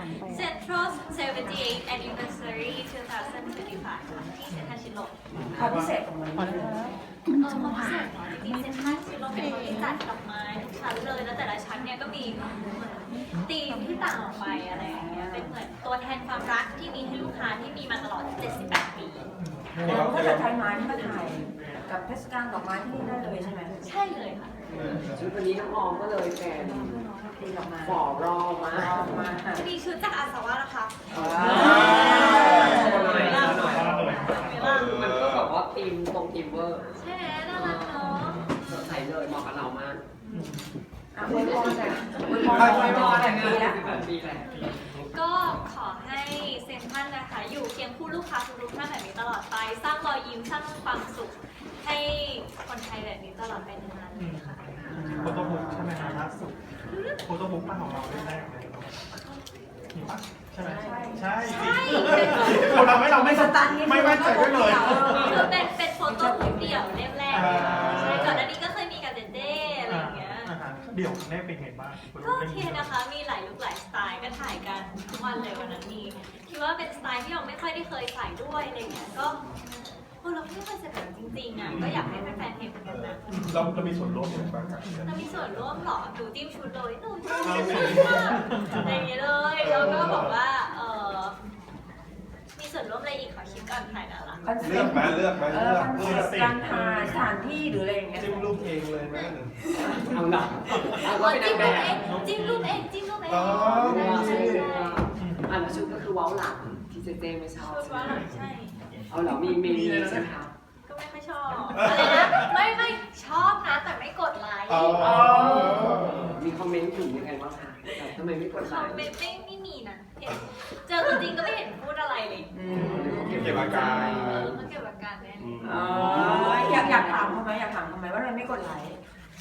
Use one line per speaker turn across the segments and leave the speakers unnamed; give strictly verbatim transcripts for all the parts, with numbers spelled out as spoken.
Central seventy-eighth Anniversary twenty twenty-five ค่ะที่เซ็นทรัลชิดลม
ความพิเศษของมัน
เออความพิเศษเนาะจริงๆเซ็นทรัลชิดลมเป็นคนที่จัดดอกไม้ทุกชั้นเลยแล้วแต่ละชั้นเนี่ยก็มีเหมือนธีมที่ต่างออกไปอะไรอย่างเงี้ยเป็นเหมือนตัวแทนความรักที่มีให้ลูกค้าที่มีมาตลอดเจ็ดสิบแปดปี
แล้วถ้าเกิดไทยไม้ที่มาถ่ายกับเทศกาลดอกไม้ที่นี่ได้เลยใช่ไหม
ใช่เลยค่ะ
ชุดวันนี้น้องออมก็เลยแฟน
ตีดอกไม้
ฝ่อรอมา
ออกมาค่ะ
มีชุดจากอาสาวะนะคะ
โชว์หน่อยโชว์หน่อย
เวลา
มันก็แบบว่าทีมตรงทีมเวอร์
ใช่ไหมน่ารักเนาะ
สดใสเลยเหมาะกับเรามาก
อ่ะอวยพรหน่อยอวยพร
ไป
อวย
ไป
พรแบบ
ปี
นี้
แล้
แล้ว ว
ปีแหละ
ก็ขอให้เซ็นทรัลนะคะอยู่เคียงคู่ลูกค้าทุกๆท่านแบบนี้ตลอดไป สร้างรอยยิ้มสร้างความสุขให้คนไทยแบบนี้ตลอดไปนานๆเลยค่ะ
โฟโต้บุ๊กใช่ไหมครับล่าสุดโฟโต้บุ๊กป้าของเราแรกๆเลยมีปะใช่ไหมใช่ใช่คนทำให้เราไม่ไม่มั่นใจด้วยเลย
คือเป็นเป็นโฟโต้บุ๊กเดี่ยวเล่มแรกเลยค่ะใช่ก่อนหน้านี้ก็เคยมีกับเจเจ้อะไรอย่างเงี้ย
เดี่ยวแรกเป็นไงบ้าง
ก็โอเคนะคะ มีหลายลุคหลายสไตล์ก็ถ่ายกันทุกวันเลยวันนั้นมีคิดว่าเป็นสไตล์ที่เราไม่ค่อยได้เคยใส่ด้วยอะไรเงี้ย ก็โอ้เราไม่เคยใส่แบบจริงๆอ่ะ ก็อยากให้แฟนๆเห็นเหมือนกันนะ
เราจะมีส่วนร่วมอย่างไรบ้างครับ
เรามีส่วนร่วมเหรอหนูจิ้มชุดเลยหนูชอบชุดมากอย่างเงี้ยเลย แล้วก็บอกว่า เออมีส่วนร่วมอะไรอีกขอคิดก่อนถ่ายนะล่ะ
คอนเซ็
เลือ
ป
ก
ต์
ไหมเลือกไหม
เอ
เลื
อ
อก
คอนเซ็ปต์การถ่ายสถานที่หรืออะไรอย่างเงี้ย
จิ้มรูปเองเลยไหม
เอาหนักเอาก็
อ๋อ
เป็นนา
จิ้
ง
ม
แบ
รูป
บ
เองจิ้มรูปเองจิ้มรูปเอง
อ๋อ
ใช่ใช่ใช่
อันนั้นชุดก็คือเว้าหลังที่เจเจไม่ชอบ
ชุดว่าหลังใช่
เอาเหรอมีมีมีใช่ไหมคะ
ก็ไม่ค่อยชอบอะไรนะไม่ไม่ชอบนะแต่ไม่กดไลค์
อ๋อ
มีคอมเมนต์ถึงยังไงบ้างคะทำไมไม่กดไล
เขา
ค์
ไม่ไม่ไม่มีนะเห็นเจอตัวจริงก็ไม่เห็นพูดอะไรเลย
อืม
เก็บอาการ
เออเขาเก็บอาการแน่
อ๋ออยากอยากถามเขาไหมอยากถามเขาไหมว่าทำไมไม่กดไลค์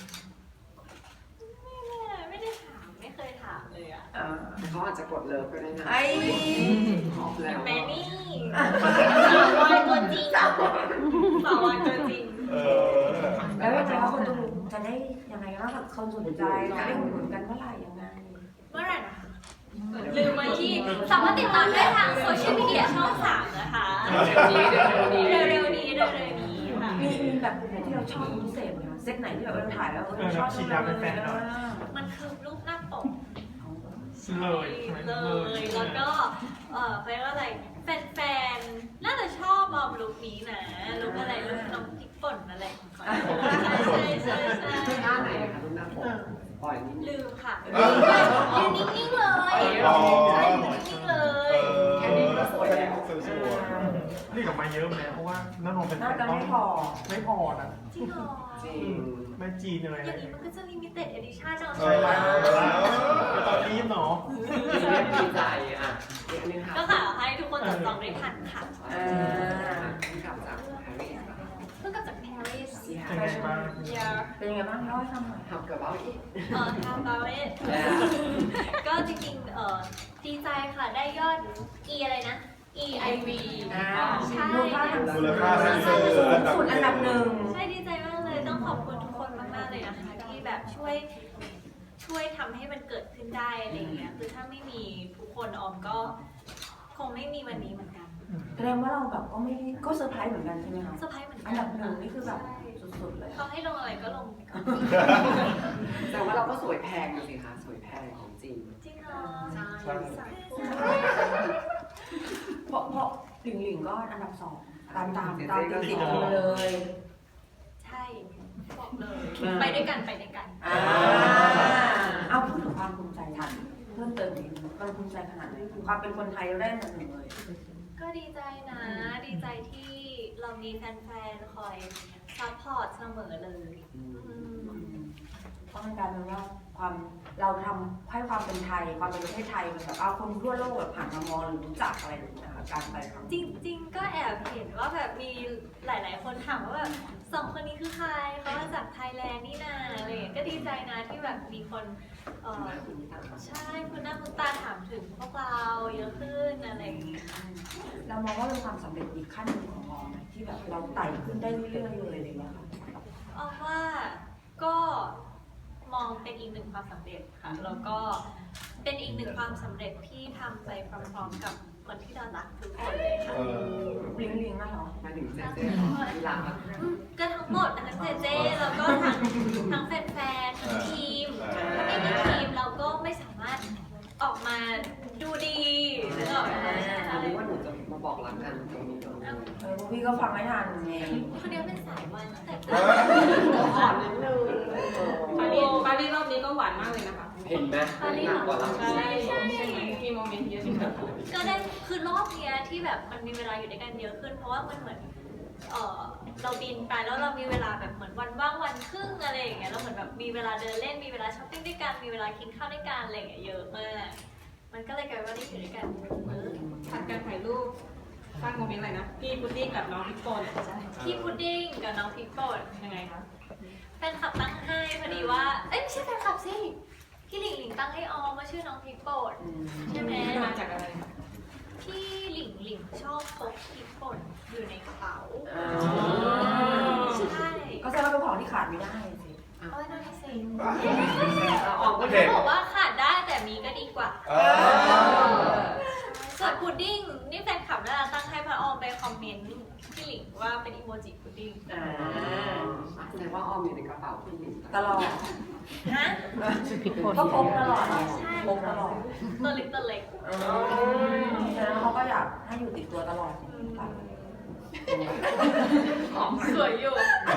ไม่ไม่ไม่ได้ถามไม่เคยถามเลยอ่ะ
อ่า
เขาอาจจะกดเลิฟก็ได้นะ
ไอ้
ขอบแล้ว
แมนนี่สาววายตัวจริงสาววายตัวจริง
เออ
แล้วยังไงว่าคนดูจะได้ยังไงว่าแบบคนสนใจจะได้อุดหนุนกันเมื่อไหร่ยังไง
เมื่อไหร่นะคะลืมมาที่สามารถติดตามได้ทางโซเชียลมีเดียช่องสามนะคะ
เร็วนี้เร็วนี้
เร็วๆนี้เร็วๆนี้ค่ะ
มีมีแบบไหนที่เราชอบเป็นพิเศษไหมคะเซตไหนที่แบบเราถ่ายแล้วเราชอบจังเลย
มันคือรูปหน้าปก
เลยใช่ไหม
เลย แล้วก็ เออเขาเรียกว่าอะไร แฟนๆ น่าจะชอบบอมลุคนี้นะ ลุคอะไรลุคน้องพริกป่นอะไรของเขาใช่ใช่ใช่
หน้าไหนคะรูปหน้าปกปล่อยนิดนึง
ลืมค่ะยืนนิ่งๆเลยใช่ยืนนิ่งๆเลย
แค่นี้ก็สวยแล้ว
สวย
นี่กับมาเยอะไหมเพราะว่าน้องนนท์เป็น
น่าจะไม่พอ
ไม่พอนะ
จริงเหรอ
จริง
แม่จีนอะไร
อย่างนี้มันก็จะลิมิเต็ดเอดิชั่นเนาะ
เอ
ใช่
อ
ไหม
ตอนนี้เนาะ
ดีใจอ่ะอีกอันนึงค่ะ
ก็ขอให้ทุกคนจับจองได้ทันค่ะ
อ่า
ที่กลับจากปารีส
เพิ่งกลับจากปารีส
ที่
เป็นไงบ้าง
yeah
เป็นยังไงบ้างเล่าให้ฟังหน่อย
ทำกับเราอีก
เออทำปารีสก็จริงๆ เออดีใจค่ะ ได้ยอด E อะไรนะ E I V
อ่า
ใช่
มูลค่าทาง
มูลค่าทาง
สู
สื่อง
สุดอันดับหนึ่ง
ใช่ดีใจมากเลย ต้องขอบคุณทุกคนมากๆเลยนะคะ ที่แบบช่วยช่วยทำให้มันเกิดขึ้นได้อะไรอย่างเงี้ย คือถ้าไม่มีทุกคนออมก็คงไม่มีวันนี้เหมือนกัน
แสดงว่าเราแบบก็ไม่ก็เซอร์ไพรส์เหมือนกันใช่ไหมคะ
เซอร์ไพรส์เหมือนกั
อันดับหนึ่งนี่คือแบบ
ใช่
สุดๆเลย
เขาให้ลงอะไรก็ลงไปก่อน
แต่ว่าเราก็สวยแพงดูสิคะสวยแพงของจริง
จริงเหรอ
ใช่
สาธุ
เพราะเพราะหลิงหลิงก็อันดับสองตามตามตามติดๆกันเลย
ใช่บอกเลย ไปด้วยกันไปด้วยกัน
อ่าเอาพูดถึงความภูมิใจทันเพิ่มเติมอีกนิดความภูมิใจขนาดไหนความเป็นคนไทยได้อันดับหนึ่งเลย
ก็ดีใจนะ ดีใจที่เรามีแฟนๆ คอยซัพพอร์ตเสมอเลยอืม
เพราะมันกลายเป็นว่าความเราทำให้ความเป็นไทย ความเป็นประเทศไทยมันแบบเอาคนทั่วโลกแบบผ่านมามองหรือรู้จักอะไรแบบนี้นะคะการไปครั้ง
จ
นี้
ริงๆ ก็แอบเห็นว่าแบบมีหลายๆ คนถามว่าแบบสองคนนี้คือใครเขามาจากไทยแลนด์นี่นาอะไรอย่างเงี้ยก็ดีใจนะที่แบบมีคนเออใช่คุณหน้าคุณตาถามถึงพวกเราเยอะขึ้นอะไรอย่างเงี้ย
เรามองว่าเป็นความสำเร็จอีกขั้นหนึ่งของเราไหมที่แบบเราไต่ขึ้นได้เรื่อยๆเลยอะไรอย่างเงี้ยค่ะ
เอาว่าก็มองเป็นอีกหนึ่งความสำเร็จค่ะ แล้วก็เป็นอีกหนึ่งความสำเร็จที่ทำไปพร้อมๆกับคนที่เรารักทุกคนเลยค่ะ
เออ
ลิงลิงน่ะเหรอ
หมายถึงเจเจที่หลังอะ
อืมก็ทั้งหมดทั้งเจเจแล้วก็ทั้งทั้งแฟนๆทั้งทีมถ้าไม่มีทีมเราก็ไม่สามารถออกมาดูดีหรือออกมา
อันนี้ว่าหนูจะมาบอกรักกันตรงนี้ตรงนี้
เออพี่ก็ฟังไม่ทันไง
คนเดียวเป็นสายวันตั้งแต่
เอ
เกิด
อ
อ่อนนิดนึง
ปารีสปารีสรอบนี้ก็หวานมากเลยนะคะ
เห็นไหมหนักกว่าเรา
ใช่ใช่ใช่ไหมมีโมเมนต์เยอะที่แบบ
ก็ได้คือรอบเนี้ยที่แบบมันมีเวลาอยู่ด้วยกันเยอะขึ้น เพราะว่ามันเหมือนเออเราบินไปแล้วเรามีเวลาแบบเหมือนวันว่างวันครึ่งอะไรอย่างเงี้ยเราเหมือนแบบมีเวลาเดินเล่นมีเวลาช้อปปิ้งด้วยกันมีเวลากินข้าวด้วยกันอะไรอย่างเงี้ยเยอะมากมันก็เลยกลายเป็นว่าได้อยู่ด้วยกันเยอะ
ผัดการถ่ายรูปสร้างโมเมนต์อะไรนะ พี่พุดดิ้งกับน้องพิกโกน
พี่พุดดิ้งกับน้องพริกป่น
ยังไงคะ
แฟนคลับตั้งให้พอดีว่าเอ้ยไม่ใช่แฟนคลับสิพี่หลิงหลิงตั้งให้ออมว่าชื่อน้องพริกป่นใช่ไหม
มาจากอะไร
พี่หลิงหลิงชอบพกพริกป่นอยู่ในกระเป๋าใช่
ก็แสดงว่าเป็นของที่ขาดไม่ได้สิ
เอาไว้นอนที่เซ็ง
เราออกก็
โอเค
เขาบอกว่าขาดได้แต่มีก็ดีกว่า
เออ
ส่วนพุดดิ้งนี่แฟนคลับน่ารักตั้งให้พระออมไปคอมเมนต์พี่หลิงว่าเป็นอีโมจิพุดดิ้ง
อ่า
แสดงว่าออมอยู่ในกระเป๋าพี่หลิง
ตลอด
ฮะ
ก็พกตลอดพกตลอด
ตัวเล็กตัวเล็ก
เออฉะนั้นเขาก็อยากให้อยู่ติดตัวตลอด
สวยอยู่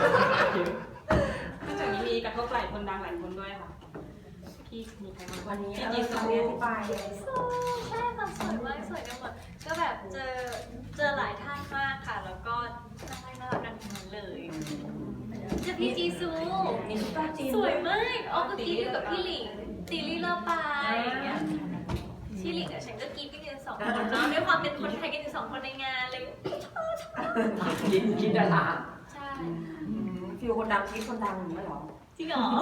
นอกจากนี้มีกระทบหลายคนดังหลายคนด้วยค่ะ พี่มีใครบ้าง
วันนี้
พี่
เอ
จี
อ
ซู
คำนี้อธิบาย
ใช่ค่ะสวยมากสวยกันหมดก็แบบเจอเจอหลายท่านมากค่ะ แล้วก็น่ารักน่ารักกันทั้งนั้นเลยเจอพี่จีซู
มีซุปเปอร์จีน
สวยมากออกก็กรีดอยู่กับพี่หลิงตีลี่เลอปายอย่างเงี้ยพี่หลิงกับฉันก็กรีดกันอยู่สองคนเนาะด้วยความเป็นคนไทยกันอยู่สองคนในงานเลย
กินกินดารา
ใช่
ฟิวคนดังคิดคนดังไม่หรอ
จริงเหรอ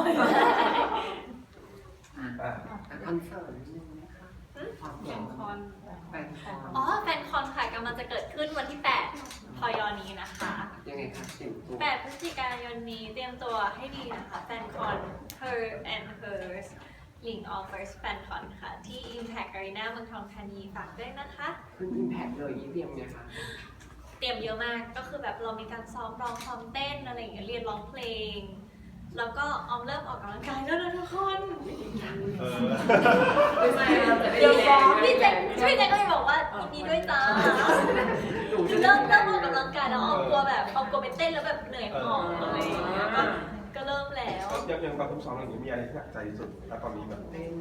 อ่ะ
คอนเสิร์ตนิดนึงนะคะความ
แข่
แข่
ง
ง
คอน
แฟนคอน
อ๋อแฟนคอนค่ะกำลังจะเกิดขึ้นวันที่แปดพยนี้นะคะ
ยังไงคะสิ่งตัว
แปดพฤศจิกายนนี้เตรียมตัวให้ดีนะคะแฟนคอน Her and Hers Link Offers Fan Con ค่ะ ที่ Impact Arena เมืองทองธานีฝากด้วยนะคะ
ขึ้นอิมแพคเลยยี่เดียมไงคะ
เตรียมเยอะมากก็คือแบบเรามีการซ้อมร้องซ้อมเต้นอะไรอย่างเงี้ยเรียนร้องเพลง แล้วก็ออมเริ่มออกกำลังกายแล้วนะทุกคน
เออ
ไม่ใช่เราจะได้
เดี๋ยว
แร
ฟ้อง
ง
พี่แจ็คพี่แจ็คก็เลยบอกว่ายินดีด้วยจ้าเริ่มเริ่มออกกำลังกายแล้วออมกลัวแบบออมกลัวไปเต้นแล้วแบบเหนื่อยหอบอะไรอย่างเงี้ยก็ก็เริ่มแล้ว
ยังยังตอนทุกซ้อมอย่างนี้มีอะไรที่หนักใจที่สุดแล้วตอนนี้แบบ
เต้น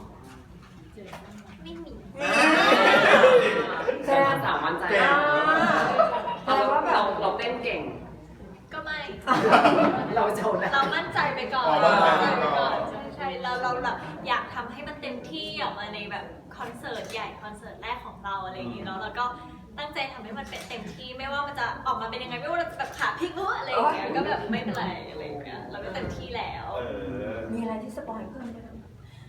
ไม่มี
แค่สามวันใจเราเราเราเต้นเก่ง
ก็ไม่
เราโชว์ได้
เรามั่นใจไปก่อน
อ๋อ
เรา
มั่
มั่
น
น
ใจ
ใจ
ไป
ไป
ก่
ก่
อ
อน นใช่ใช่เราเราแบบอยากทำให้มันเต็มที่ออกมาในแบบคอนเสิร์ตใหญ่คอนเสิร์ตแรกของเราอะไรอย่างงี้เนาะแล้วก็ตั้งใจทำให้มันเป็นเต็มที่ไม่ว่ามันจะออกมาเป็นยังไงไม่ว่าเราจะแบบขาพลิกหรืออะไรอย่างเงี้ยก็แบบไม่เป็นไรอะไรอย่างเงี้ยเราก็เต็มที่แล้ว
เออ
มีอะไรที่สปอยเพิ่มไหมคะ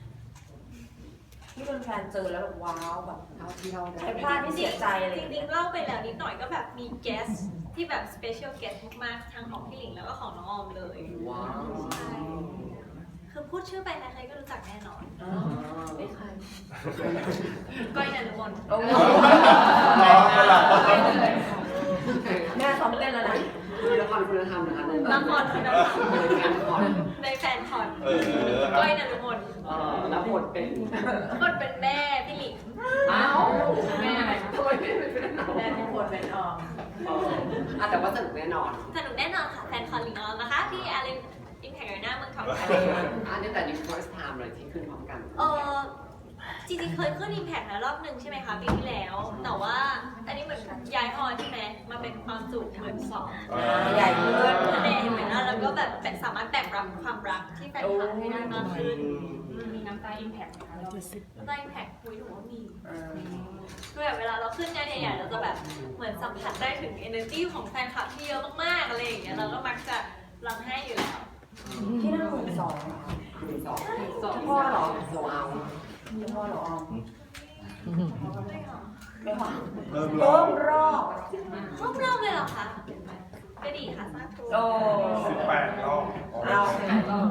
ที่เป็นแฟนเจอแล้วแบบว้าวแบบ
เท่าที่เราได้
ไอ้พลาดที่เสียใจอะไร
จ
อย่าง
ริ
เงี้
ง
ย
ๆเล่าไปแล้วนิดหน่อยก็แบบมี guest ที่แบบ special guest มากๆทั้งของพี่หลิงแล้วก็ของน้องออมเลย
ว้าว
ใช่คือพูดชื่อไปใครๆก็รู้จักแน่นอน
ไม่ใคร
ก้อยนันทมน
โอ้
อ๋อเวลา
แม่ซ้อมเต้นแล้วนะ
มีละครคุณธรรมนะคะ
ละครคุณธรรม
ในแฟนคอน
ในแฟนคอน
เออ
ก้อยนันทมน
เออรับบทเป็น
คนเป็นแม่พี่หลิง
อ้าว
แม่อะไรคะ
ทำไมไม่เป็นน้อง
แม่เป็นคนเป็นออม
เอออ่ะแต่ว่าสนุกแน่นอน
สนุกแน่นอนค่ะแฟนคอนหลิงออมนะคะที่อารีอิมแพคอารีนาเมืองทองธานี
อันนี้แต่นี่ first time เลยที่ขึ้นพร้อมกัน
เออจริงๆเคยขึ้นอิมแพคนะรอบหนึ่งใช่ไหมคะปีที่แล้ว แต่ว่าอันนี้เหมือนย้ายฮอลใช่ไหมมาเป็นความจุเหมือนสอง
เออ
ใหญ่ขึ้น
คะแนนเหมือนแล้วก็แบบสามารถแบ่งรับความรักที่แฟนคลับให้ได้มากขึ้น
มีน้ำตาอิมแพคไหมคะเรา
ในอิมแพคคุยถือว่ามีคือแบบเวลาเราขึ้นงานใหญ่ๆเราจะแบบเหมือนสัมผัสได้ถึง energy ของแฟนคลับที่เยอะมากๆอะไรอย่างเงี้ยเราก็มักจะร้องไห้อยู่แล้ว
ที่นั่งหมื่นสองเหรอ
มีสอง
เจ้าพ่อเหรอ
โซเอา
เจ้าพ่อเหรอออม
ไม่หรอ
ไม่หรอ
เริ่มร
เพิ่
อบ
มรอบ
ครบรอบเลยเหรอคะก็ดีค่ะสาธุ
โอ้
สิบแปดรอบ
เอา
แต่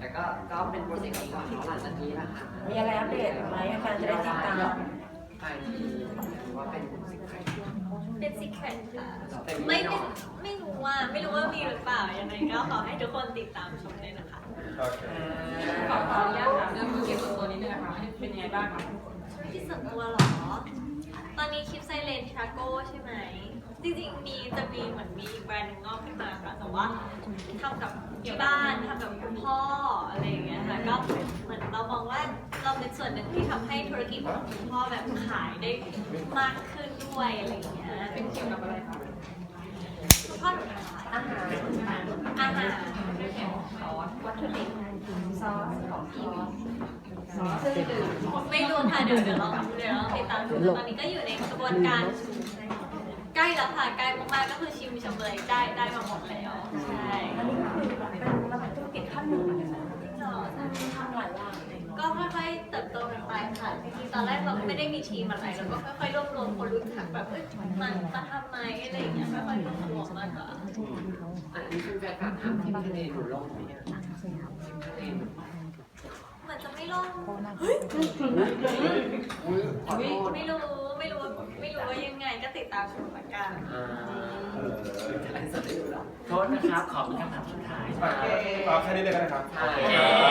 ก็ก็เป็นโปรเจกต์ก่อนเนาะหลังจากนี้นะคะ
มีอะไรอัปเดตไหมแฟนจะได้ติดตาม
ไปที่หรือว่าเป็นสิ่งใคร
เป็นซีเครตค่ะ
เป็น
ไม่
ไม่
ไม่ไม่รู้ว่าไม่รู้ว่ามีหรือเปล่ายังไงก็ขอให้ทุกคนติดตามชมเลยนะคะ
โอเค
ขอขออนุญาตถามเรื่องธุรกิจส่วนตัวนิดนึงนะคะเป็นยังไงบ้างคะ
ธุรกิจส่วนตัวเหรอ ตอนนี้คลิปไซเลนทราโก้ใช่ไหม จริงๆ มีจะมีเหมือนมีอีกแบรนด์หนึงงอกขึ้นมาค่ะ แต่ว่าทำกับที่บ้านทำกับคุณพ่ออะไรอย่างเงี้ยค่ะ ก็เหมือนเรามองว่าเราเป็นส่วนหนึ่งที่ทำให้ธุรกิจของคุณพ่อแบบขายได้มากขึ้นด้วยอะไรอย่างเงี้ย
เป็นเกี่ยวกับอะไรคะ
คุณพ่อหนูทำอะไร
อาหาร
อาหาร
เรื่องของซอส
วัตถุดิบซอสของซอส
ซอสเครื่องดื่ม
ไม่รู้ค่ะเดี๋ยวเดี๋ยวเราเดี๋ยวเราติดตามดูตอนนี้ก็อยู่ในกระบวนการใกล้แล้วค่ะใกล้มากๆก็คือชิมชมเลยได้ได้มาหมดแล้วใช่
อันนี้ก็คือเป็นระดับธุรกิจขั้นหนึ่งเหมือนกันนะ
หรอ
ทำหลายอย่าง
ก็ค่อยๆเติบโตกันไปค่ะจริงๆตอนแรกเราก็ไม่ได้มีทีมอะไรเราก็ค่อยๆรวบรวมคนรู้จักแบบเอ้ยมันมาทำไหมอะไรอย่างเงี้ยค่อยๆรวบรวมมากกว่า
อันนี้คือแฟนคลับถามที่ทะเลหนูลงไหมอะทะเลหนู
เหมือนจะไม่ล่ม
อุ้ยขอโทษ
ไม่รู้ไม่รู้ไม่รู้ว่ายังไงก็ติดตามชมละกัน
อ่าอะไรสดได้ดูหรอโทษนะครับ ขอมีคำถามสุดท้าย
โอเคเอาแค่นี้เลยก็ได้ครับ
โอเค